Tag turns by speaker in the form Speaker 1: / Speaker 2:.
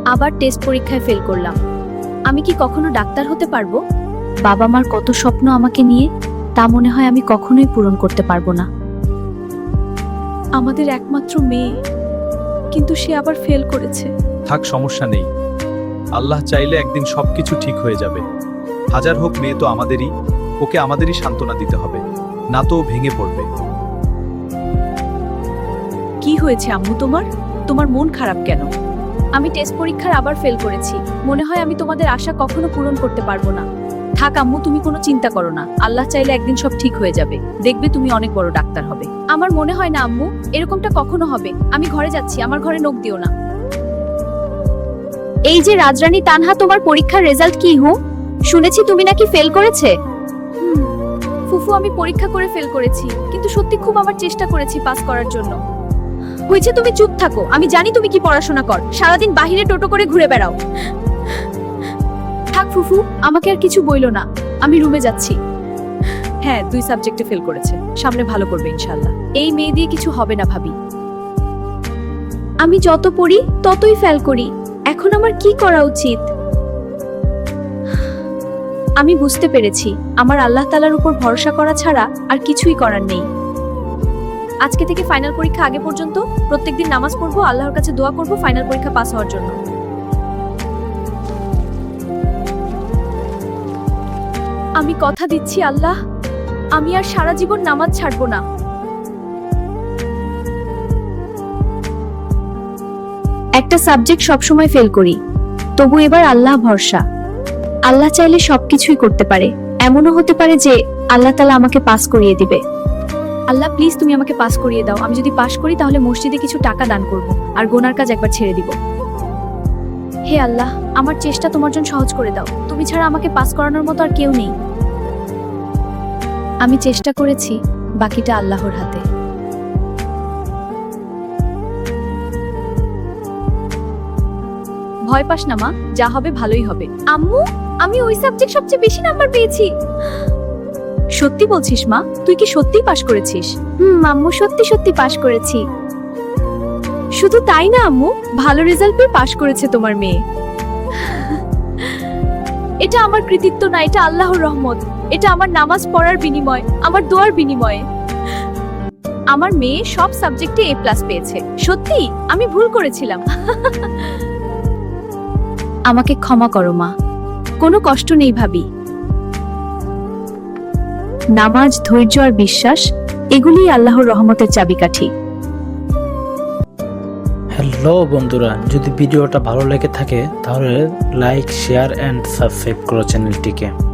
Speaker 1: আবার টেস্ট পরীক্ষায় ফেল করলাম। আমি কি কখনো ডাক্তার হতে পারবো? বাবা মার কত স্বপ্ন আমাকে নিয়ে, তা মনে হয় আমি কখনোই পূরণ করতে পারবো না।
Speaker 2: আমাদের একমাত্র মেয়ে, কিন্তু সে আবার ফেল করেছে।
Speaker 3: থাক, সমস্যা নেই। আল্লাহ চাইলে একদিন সবকিছু ঠিক হয়ে যাবে। হাজার হোক, মেয়ে তো আমাদেরই, ওকে আমাদেরই সান্ত্বনা দিতে হবে, না তো ও ভেঙে পড়বে।
Speaker 2: কি হয়েছে আম্মু তোমার? তোমার মন খারাপ কেন?
Speaker 1: আমি টেস্ট পরীক্ষার আবার ফেল করেছি। মনে হয় আমি তোমাদের আশা কখনো পূরণ করতে পারবো না।
Speaker 2: থাক আম্মু, তুমি কোনো চিন্তা করো না। আল্লাহ চাইলে একদিন সব ঠিক হয়ে যাবে। দেখবে তুমি অনেক বড় ডাক্তার হবে।
Speaker 1: আমার মনে হয় না আম্মু, এরকমটা কখনো হবে। আমি ঘরে যাচ্ছি, আমার ঘরে নখ দিও না। এই যে রাজরানী তানহা, তোমার পরীক্ষার রেজাল্ট কি? শুনেছি তুমি নাকি ফেল করেছে। ফুফু, আমি পরীক্ষা করে ফেল করেছি, কিন্তু সত্যি খুব আমার চেষ্টা করেছি পাস করার জন্য। হয়েছে, তুমি চুপ থাকো। আমি জানি তুমি কি পড়াশোনা কর, সারাদিন বাহিরে টোটো করে ঘুরে বেড়াও। থাক ফুফু, আমাকে আর কিছু বইলো না, আমি রুমে যাচ্ছি।
Speaker 2: হ্যাঁ, 2 সাবজেক্টে ফেল করেছে, সামনে ভালো করবে ইনশাআল্লাহ।
Speaker 1: এই মেয়ে দিয়ে কিছু হবে না ভাবি। আমি যত পড়ি ততই ফেল করি, এখন আমার কি করা উচিত? আমি বুঝতে পেরেছি, আমার আল্লাহ তাআলার উপর ভরসা করা ছাড়া আর কিছুই করার নেই। আজকে থেকে ফাইনাল পরীক্ষা আগে পর্যন্ত প্রত্যেকদিন নামাজ পড়বো, আল্লাহর কাছে দোয়া করব ফাইনাল পরীক্ষা পাস হওয়ার জন্য। আমি কথা দিচ্ছি আল্লাহ, আমি আর সারা জীবন নামাজ ছাড়বো না। একটা সাবজেক্ট সবসময় ফেল করি, তবু এবার আল্লাহ ভরসা। আল্লাহ চাইলে সবকিছুই করতে পারে। এমনও হতে পারে যে আল্লাহ তাআলা আমাকে পাস করিয়ে দিবে। আল্লাহ প্লিজ, তুমি আমাকে পাস করিয়ে দাও। আমি যদি পাস করি তাহলে মসজিদে কিছু টাকা দান করব আর গোনার কাজ একবার ছেড়ে দিব। হে আল্লাহ, আমার চেষ্টা তোমার জন্য সহজ করে দাও। তুমি ছাড়া আমাকে পাস করানোর মতো আর কেউ নেই। আমি চেষ্টা করেছি, বাকিটা আল্লাহর হাতে। ভয় পাস না মা, যা হবে ভালোই হবে। আম্মু, আমি ওই সাবজেক্ট সবচেয়ে বেশি নাম্বার পেয়েছি। সত্যি বলছিস মা? তুই কি সত্যিই পাস করেছিস? আম্মু, সত্যি সত্যি পাস করেছি। শুধু তাই না আম্মু, ভালো রেজাল্ট পেয়ে পাস করেছে তোমার মেয়ে। এটা আমার কৃতিত্ব না, এটা আল্লাহর রহমত। এটা আমার নামাজ পড়ার বিনিময়, আমার দোয়ার বিনিময়ে। আমার মেয়ে সব সাবজেক্টে A+ পেয়েছে। সত্যি আমি ভুল করেছিলাম। আমাকে ক্ষমা করো মা, কোনো কষ্ট নেই ভাবি। নামাজ, ধৈর্য আর বিশ্বাস, এগুলিই আল্লাহর রহমতের চাবিকাঠি।
Speaker 4: হ্যালো বন্ধুরা, যদি ভিডিওটা ভালো লেগে থাকে তাহলে লাইক, শেয়ার এন্ড সাবস্ক্রাইব করো চ্যানেলটিকে।